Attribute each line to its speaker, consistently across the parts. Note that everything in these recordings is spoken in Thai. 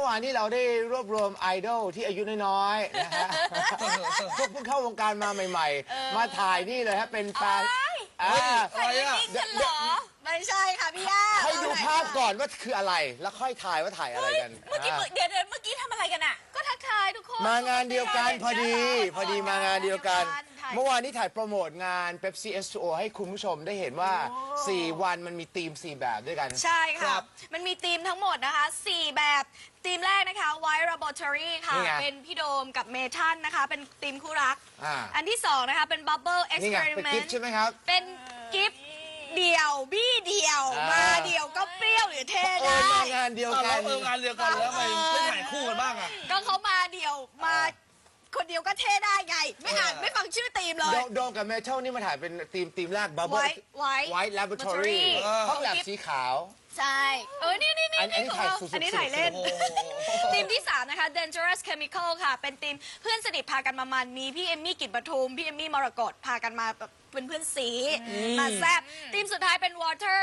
Speaker 1: วานนี้เราได้รวบรวมไอดอลที่อายุน้อยๆนะฮะพวกเพิ่งเข้าวงการมาใหม่ๆมาถ่ายนี่เลยฮะเป็นแฟน
Speaker 2: อะไรอ่ะ
Speaker 3: ไม่ใช่ค่ะพี่ย่า
Speaker 1: ให้ดูภาพก่อนว่าคืออะไรแล้วค่อยถ่ายว่าถ่ายอะไรกัน
Speaker 2: เมื่อกี้เดี๋ยวเมื่อกี้ทำอะไรกันอ่ะก็ทักทายทุกคน
Speaker 1: มางานเดียวกันพอดีมางานเดียวกันเมื่อวานนี้ถ่ายโปรโมทงาน Pepsi S2O ให้คุณผู้ชมได้เห็นว่า4 วันมันมีธีม4 แบบด้วยกัน
Speaker 3: ใช่ค่ะมันมีธีมทั้งหมดนะคะ4 แบบธีมแรกนะคะ White Laboratory ค่ะเป็นพี่โดมกับเมทันนะคะเป็นธีมคู่รักอันที่2นะคะเป็น Bubble Experiment
Speaker 1: ใช่ไหมครับ
Speaker 3: เป็นกิฟต์เดี่ยวบี้เดี่ยวมาเดี่ยวก็เปรี้ยวหรือเท่ได้
Speaker 1: มางานเดียวกัน
Speaker 2: งานเดียวกันแล้วไม่ถ่ายคู่กันบ้างอ่ะ
Speaker 3: ก็เขามาเดี่ยวมาคนเดียวก็เท่ได้ไงไม่ฟังชื่อธีมเลย
Speaker 1: โดมกับเมทัลนี่มาถ่ายเป็นธีมแรก Bubble White Laboratory ห้องแลบสีขาว
Speaker 3: ใช่นี่
Speaker 1: อันนี้
Speaker 3: ถ่ายเล่นทีมที่3นะคะ Dangerous Chemical ค่ะเป็นทีมเพื่อนสนิทพากันมามันมีพี่เอมมี่กฤษปทุมพี่เอมมี่มรกตพากันมาเป็นเพื่อนสีมาแซ่บทีมสุดท้ายเป็น Water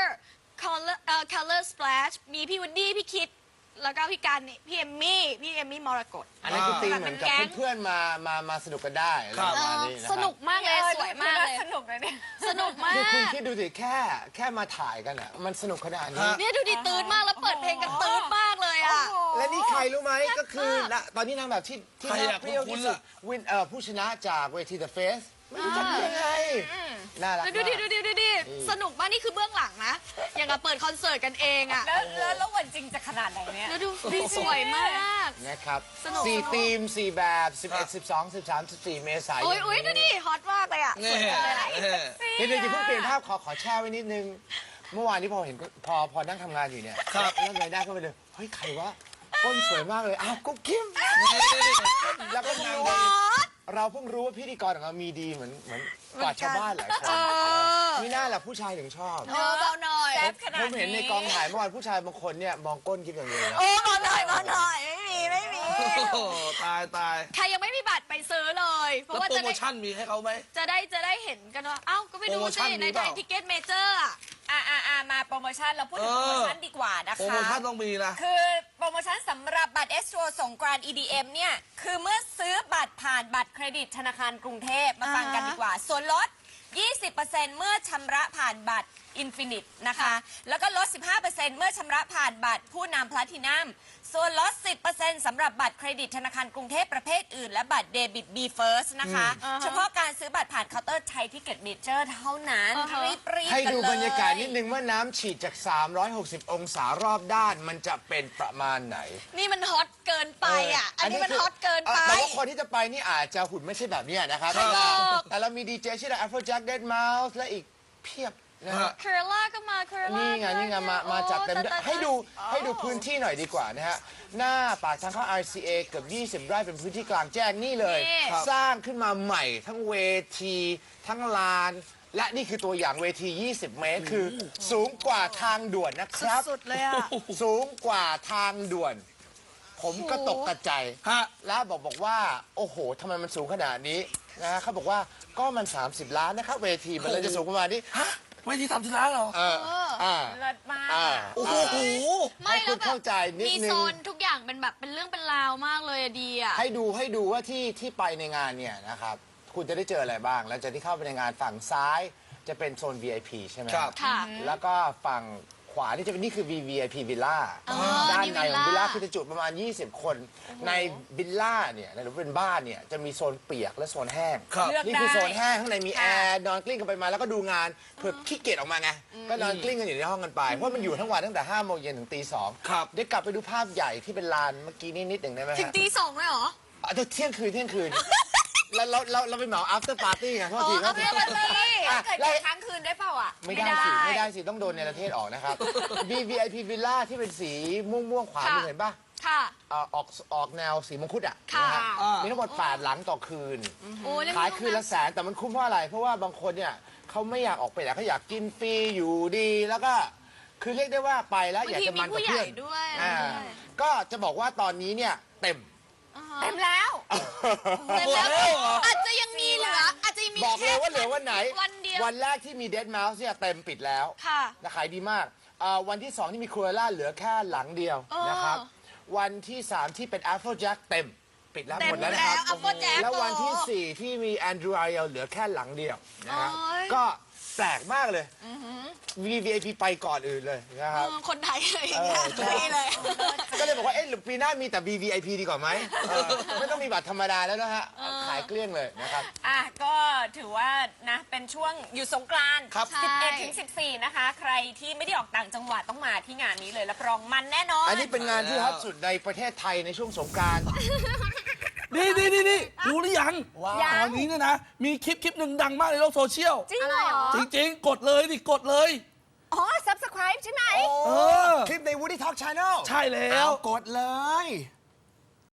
Speaker 3: Color Splash มีพี่วูดดี้พี่คิดแล้วก็พี่การพี่เอมมี่มรกต
Speaker 1: อันนี้คือธีมเหมือนกับเพื่อนมาสนุกกันได้
Speaker 3: สนุกมากเลยสวยมากเลย
Speaker 2: สนุกเลยเนี่ย
Speaker 3: สนุกมาก
Speaker 1: คุณคิดดูสิแค่มาถ่ายกันอ่ะมันสนุกขนาดนี้
Speaker 3: เนี่ยดูดิตื่นมากแล้วเปิดเพลงกันตื่นมากเลยอ่ะ
Speaker 1: และนี่ใครรู้ไหมก็คือตอนนี้นางแบบที่น่าเปรี้ยวที่สุดผู้ชนะจากเวที The Face ไม่รู้จักยังไงน่ารัก
Speaker 3: ดูดิสนุกมากนี่คือเบื้องหลังนะอย่างกับเปิดคอนเสิร์ตกันเองอ่ะ
Speaker 2: แล้ววันจริงจะขนาดไหนเนี่ย
Speaker 3: ดูสวยมาก
Speaker 1: นะครับ4 ธีม 4 แบบ11 12 13 14 เมษายน
Speaker 3: อุ้ยดูดิฮอตมากเลยอ่ะ
Speaker 1: เดี๋ยวเพิ่งเปลี่ยนภาพขอแช่ไว้นิดนึงเมื่อวานนี้พอเห็นพอนั่งทำงานอยู่เนี่ยแล้วเงยหน้าเข้าไปเลยเฮ้ยใครวะก้นสวยมากเลยอ้าวกุ๊กกิ๊มแล้วก็นางเราเพิ่งรู้ว่าพิธีกรของเรามีดีเหมือนกว่าชาวบ้านหลายคนนี่น่าแหละผู้ชายถึงชอบ
Speaker 3: เบาหน่อย
Speaker 1: ผมเห็นในกองถ่ายเมื่อวานผู้ชายบางคนเนี่ยมองก้นกิ๊บอย่างเดียวนะ
Speaker 3: เบาหน่อยไม่มี
Speaker 2: ตาย
Speaker 3: ใครยังไม่มีบัตรไปซื้อเลย
Speaker 2: เพราะว่าโปรโมชั่นมีให้เขาไหม
Speaker 3: จะได้เห็นกันว่าเอ้าก็ไปดูสิในไทยทิเก็ตเมเจอร์
Speaker 2: มาโปรโมชั่นเราพูดถึงโปรโมชั่นดีกว่านะคะ
Speaker 1: โปรโมชั่นต้องมีนะ
Speaker 2: คือโปรโมชั่นสำหรับบัตร S2O สงกรานต์ EDM เนี่ยคือเมื่อซื้อบัตรผ่านบัตรเครดิตธนาคารกรุงเทพมาฟังกันดีกว่าส่วนลด 20% เมื่อชำระผ่านบัตร Infinite นะคะแล้วก็ลด 15% เมื่อชำระผ่านบัตรผู้นำ Platinum ส่วนลด 10% สำหรับบัตรเครดิตธนาคารกรุงเทพประเภทอื่นและบัตรเดบิต B First นะคะเฉพาะการซื้อบัตรผ่านเคาน์เตอร์ไทยทิเก็ตเมเจอร์เท่านั้นรีบ
Speaker 1: ให้ดูบรรยากาศนิดนึงว่าน้ำฉีดจาก 360 องศารอบด้านมันจะเป็นประมาณไหน
Speaker 3: นี่มันฮอตเกินไปอ่ะอันนี้มันฮอตเกินไป
Speaker 1: แต่ว่าคนที่จะไปนี่อาจจะหุ่นไม่ใช่แบบนี้นะครับแต่เรามีดีเจชื่อ Afrojack Deadmau5 และอีกเพียบ
Speaker 3: เคอร์ล่าก็มา
Speaker 1: นี่ไงมาจัดเต็มให้ดูพื้นที่หน่อยดีกว่านะฮะหน้าปากทางเข้า RCA เกือบ20 ไร่เป็นพื้นที่กลางแจ้งนี่เลยสร้างขึ้นมาใหม่ทั้งเวทีทั้งลานและนี่คือตัวอย่างเวที20 เมตรคือสูงกว่าทางด่วนนะครับ
Speaker 3: สุดเลยอ่ะ
Speaker 1: สูงกว่าทางด่วนผมก็ตกกระจายแล้วบอกว่าโอ้โหทำไมมันสูงขนาดนี้นะเขาบอกว่าก็มัน30 ล้านนะครับเวทีมันเลยจะสูงประมาณนี้
Speaker 2: เวที30 ล้านเหรอ
Speaker 3: เลิศมาก
Speaker 2: โอ้โห
Speaker 1: ไม่แล้วเข้าใจนิดนึง
Speaker 3: มีโซนทุกอย่างเป็นแบบเป็นเรื่องเป็นราวมากเลยดีอ่ะ
Speaker 1: ให้ดูว่าที่ไปในงานเนี่ยนะครับคุณจะได้เจออะไรบ้างแล้วจะที่เข้าไปในงานฝั่งซ้ายจะเป็นโซน VIP ใช่ไหม
Speaker 3: ครับ
Speaker 1: แล้วก็ฝั่งขวานี่จะเป็นนี่คือ VIP Villa ด้านในของวิลล่าคือจะจุประมาณ20 คนในวิลล่าเนี่ยหรือเป็นบ้านเนี่ยจะมีโซนเปียกและโซนแห้งนี่คือโซนแห้งข้างในมีแอร์นอนกลิ้งกันไปมาแล้วก็ดูงานเพื่อขี้เกียจออกมาไงก็นอนกลิ้งกันอยู่ในห้องกันไปเพราะมันอยู่ทั้งวันตั้งแต่5 โมงเย็นถึงตี 2เดี๋ยวกลับไปดูภาพใหญ่ที่เป็นลานเมื่อกี้นิดหนึ่งได้ไหม
Speaker 3: ถึงตี 2เลยเหรอ
Speaker 1: เที่ยงคืนแล้วเราไปเหมา after party ไงเพราะที
Speaker 2: เกิดค้างคืนได้เปล่าอ่ะ
Speaker 1: ไม่ได้สิต้องโดนในประเทศออกนะครับ VIP Villa ที่เป็นสีม่วงขวาเห็นป่ะออกแนวสีมงคุดอ่ะมีทั้งหมด8 หลังต่อคืนขายคืนละ100,000แต่มันคุ้มเพราะอะไรเพราะว่าบางคนเนี่ยเขาไม่อยากออกไปแต่เขาอยากกินฟรีอยู่ดีแล้วก็คือเรียกได้ว่าไปแล้วอยากจะมันกับเพื่อนก็จะบอกว่าตอนนี้เนี่ยเต็ม
Speaker 2: แล้ว
Speaker 3: อาจจะยังมีเหลืออาจจะมี
Speaker 1: บอกเลยว่าเหลือวันไหน
Speaker 3: วั
Speaker 1: นแรกที่มี Deadmau5 เนี่ยเต็มปิดแล้วนะขายดีมากวันที่2ที่มีครัวล่าเหลือแค่หลังเดียวนะครับวันที่ 3 ที่เป็น Applejack เต็ม ปิดแล้ว
Speaker 3: เต็ม
Speaker 1: หมดแล้วนะครับ
Speaker 3: แล้ว Applejack
Speaker 1: แล้ววันที่ 4 ที่มี Andrew Ariel เหลือแค่หลังเดียวนะครับ
Speaker 3: โอ้ย
Speaker 1: ก็แปลกมากเลย VVIP ไปก่อนอื่นเลยนะครับ
Speaker 3: คนไทยอะไรอย่างเงี้ย
Speaker 1: ใช่
Speaker 3: นี่เลย
Speaker 1: ก็เลยบอกว่าเอ๊ะหรือปีหน้ามีแต่ VVIP ดีกว่าไหมไม่ต้องมีบัตรธรรมดาแล้วนะฮะขายเกลี้ยงเลยนะครับ
Speaker 2: อ่ะก็ถือว่านะเป็นช่วงอยู่สงกรานต์
Speaker 1: ครับ
Speaker 2: 11 ถึง 14 นะคะ ใครที่ไม่ได้ออกต่างจังหวัดต้องมาที่งานนี้เลยรับรองมันแน่นอน
Speaker 1: อันนี้เป็นงานที่ฮอตสุดในประเทศไทยในช่วงสงกรานต์
Speaker 4: นี่รู้หรือยัง
Speaker 1: ว้าว
Speaker 4: ตอนนี้เนี่ยนะ มีคลิปหนึ่งดังมากในโลกโซเชียล
Speaker 2: จริงเหรอ
Speaker 4: จริงๆ กดเลยดิกดเลย
Speaker 2: อ๋อ subscribe ใช่ไหม
Speaker 4: เออ
Speaker 1: คลิปใน Woody Talk Channel
Speaker 4: ใช่แล้ว
Speaker 1: เอากดเลย